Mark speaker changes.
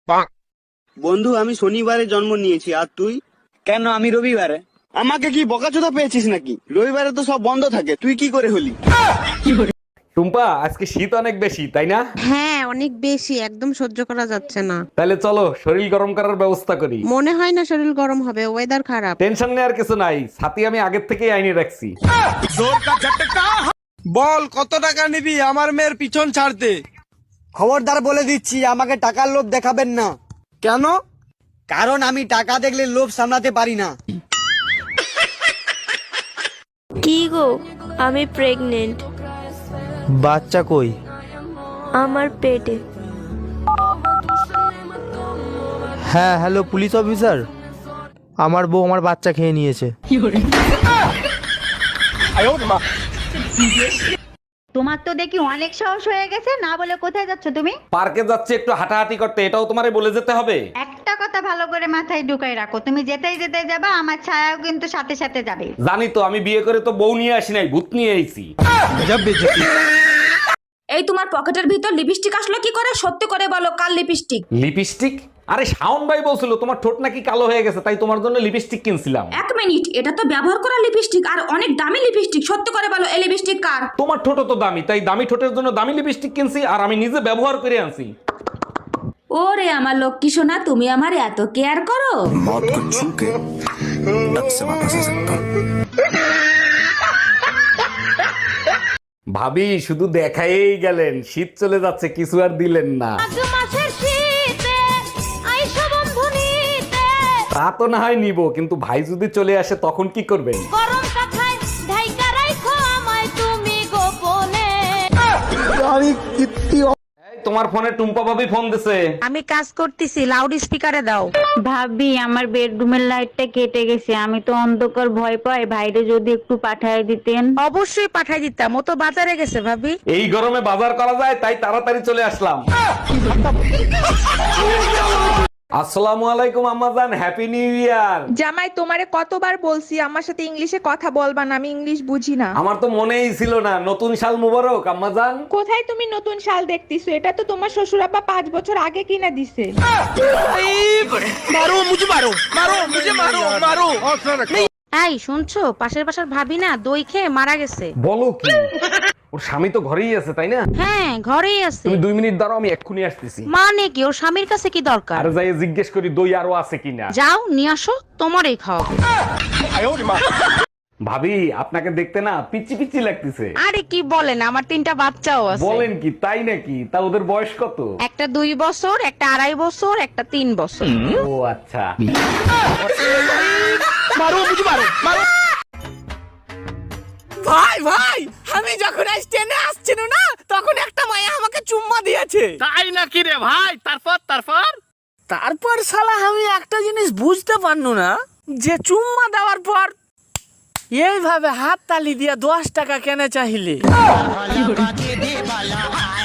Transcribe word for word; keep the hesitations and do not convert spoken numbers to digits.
Speaker 1: বন্ধু আমি শনিবারে জন্ম নিয়েছি, আর তুই?
Speaker 2: কেন আমি রবিবারে?
Speaker 1: আমাকে কি বকাচোদা পেয়েছিস নাকি? রবিবারে তো সব বন্ধ থাকে, তুই কি করে হলি?
Speaker 3: টুম্পা, আজকে শীত অনেক বেশি তাই না?
Speaker 4: হ্যাঁ অনেক বেশি, একদম সহ্য করা যাচ্ছে না।
Speaker 3: তাহলে চলো শরীর গরম করার ব্যবস্থা করি।
Speaker 4: মনে হয় না শরীর গরম হবে, ওয়েদার খারাপ।
Speaker 3: টেনশন নেওয়ার কিছু নাই, ছাতি আমি আগের থেকেই আইনে রাখছি।
Speaker 5: বল কত টাকা নিবি আমার মেয়ের পিছন ছাড়তে?
Speaker 2: খবরদার বলে দিচ্ছি, আমাকে টাকার লোভ দেখাবেন না।
Speaker 5: কেন?
Speaker 2: কারণ আমি টাকা দেখলে লোভ সামলাতে পারি না।
Speaker 6: কি গো, আমি প্রেগনেন্ট।
Speaker 5: বাচ্চা কই?
Speaker 6: আমার পেটে।
Speaker 5: হ্যাঁ হ্যালো পুলিশ অফিসার, আমার বউ আমার বাচ্চা খেয়ে নিয়েছে।
Speaker 7: তোমার তো দেখি অনেক সাহস হয়ে গেছে, না বলে কোথায় যাচ্ছ তুমি?
Speaker 3: পার্কে যাচ্ছে একটু হাঁটাহাঁটি করতে, এটাও তোমারে বলে যেতে হবে?
Speaker 7: একটা কথা ভালো করে মাথায় ঢুকাই রাখো, তুমি যেতেই যেতে যাবা, আমার ছায়াও কিন্তু সাথে সাথে যাবে।
Speaker 3: জানি তো, আমি বিয়ে করে তো বউ নিয়ে আসি নাই, ভূত নিয়ে আইছি।
Speaker 8: এই তোমার পকেটের ভিতর লিপস্টিক আসলো কি করে? সত্যি করে বলো, কাল লিপস্টিক?
Speaker 3: লিপস্টিক? আরে শাওন ভাই বলছিল তোমার ঠোঁট নাকি কালো হয়ে গেছে, তাই তোমার জন্য লিপস্টিক কিনছিলাম।
Speaker 8: এক মিনিট, এটা তো ব্যবহার করা লিপস্টিক আর অনেক দামি লিপস্টিক। সত্যি করে বলো, এই লিপস্টিক কার?
Speaker 3: তোমার ঠোঁট তো দামি, তাই দামি ঠোঁটের জন্য দামি লিপস্টিক কিনছি, আর আমি নিজে ব্যবহার করে আনছি।
Speaker 8: ওরে আমার লক্ষ্মী সোনা, তুমি আমার এত কেয়ার করো।
Speaker 3: ভাবি শুধু দেখাই গেলেন, শীত চলে যাচ্ছে, কিছু আর দিলেন না। তা তো না হয় নিব, কিন্তু ভাই যদি চলে আসে তখন কি করবেন? এই, তোমার ফোনে টুম্পা ভাবি ফোন দিছে।
Speaker 4: আমি কাজ করতেছি, লাউড স্পিকারে দাও।
Speaker 7: ভাবি আমার বেডরুমের লাইটটা কেটে গেছে, আমি তো অন্ধকার ভয় পাই, ভাইরে যদি একটু পাঠায় দিতেন।
Speaker 4: অবশ্যই পাঠাই দিতাম, ও তো বাজারে গেছে ভাবি।
Speaker 3: এই গরমে বাজার করা যায়, তাই তাড়াতাড়ি চলে আসলাম। আসসালামু আলাইকুম আম্মাজান, হ্যাপি নিউ ইয়ার।
Speaker 9: জামাই তোমারে কতবার বলছি আমার সাথে ইংলিশে কথা বলবা না, আমি ইংলিশ বুঝি না।
Speaker 3: আমার তো মনেই ছিল না, নতুন সাল মুবারক আম্মাজান।
Speaker 9: কোথায় তুমি নতুন শাল দেখতেছো? এটা তো তোমার শ্বশুর আব্বা পাঁচ বছর আগে কিনা দিছে।
Speaker 5: মারো মুঝে মারো মারো মুঝে মারো মারো।
Speaker 4: এই শুনছো, পাশের পাশের ভাবি না দই খেয়ে মারা গেছে।
Speaker 3: বলো কি? ওর স্বামী তো ঘরেই আছে তাই না?
Speaker 4: হ্যাঁ ঘরেই আছে।
Speaker 3: তুমি দুই মিনিট দাঁড়াও, আমি এক্ষুনি আসতেছি।
Speaker 4: মানে কি, ওর স্বামীর কাছে কি দরকার?
Speaker 3: আর যাই জিজ্ঞেস করি দই আরো আছে কিনা।
Speaker 4: যাও নিয়ে আসো, তোমারই খাওয়াবো।
Speaker 3: ভাবি আপনাকে দেখতে না পিচি পিচি লাগতেছে।
Speaker 4: আরে কি বলেন, আমার তিনটা বাচ্চাও আছে।
Speaker 3: বলেন কি, তাই নাকি? তা ওদের বয়স কত?
Speaker 4: একটা দুই বছর, একটা আড়াই বছর, একটা তিন বছর।
Speaker 3: ও আচ্ছা।
Speaker 5: মারো মুঝে মারো মারো। ভাই ভাই, আমি যখন স্টেশনে আসছিল না, তখন একটা মায়া আমাকে চুম্মা দিয়েছে।
Speaker 2: তাই নাকি রে ভাই? তারপর তারপর
Speaker 5: তারপর শালা আমি একটা জিনিস বুঝতে পারনু না, যে চুম্মা দেওয়ার পর এইভাবে হাত তালি দিয়ে দশ টাকা কেনে চাইলে।